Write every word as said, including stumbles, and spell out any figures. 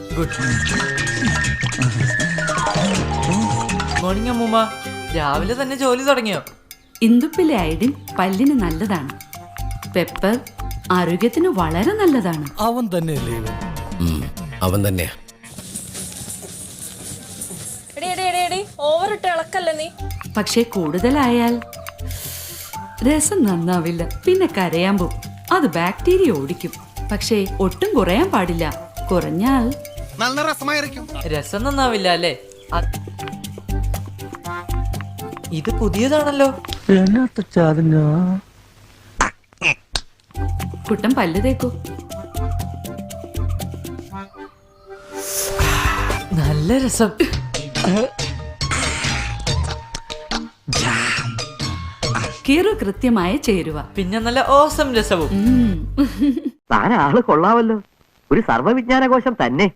Good morning അമ്മൂമ്മ. രാവിലെ തന്നെ ജോലി തുടങ്ങിയോ? ഇന്ദുപ്പിലെ അയഡിൻ പല്ലിന് നല്ലതാണ്. പെപ്പർ ആരോഗ്യത്തിന് വളരെ നല്ലതാണ്. അവൻ തന്നെയല്ലേ ഇവൻ? അവൻ തന്നെയാ. ഓവറിട്ട് ഇളക്കല്ലേ നീ. പക്ഷെ കൂടുതലായാൽ രസം നന്നാവില്ല, പിന്നെ കരയാൻ പോവും. അത് ബാക്ടീരിയ ഓടിക്കും. പക്ഷേ ഒട്ടും കുറയാൻ പാടില്ല. കുറഞ്ഞാൽ നല്ല രസമായിരിക്കും. രസം നന്നാവില്ല അല്ലേ? ഇത് പുതിയതാണല്ലോ. കുട്ടൻ പല്ല് തേക്കൂ. നല്ല രസം. കീറു കൃത്യമായ ചേരുവ, പിന്നെ നല്ല ഓസം രസവും. താൻ ആള് കൊള്ളാവല്ലോ, ഒരു സർവ്വവിജ്ഞാനകോശം തന്നെ.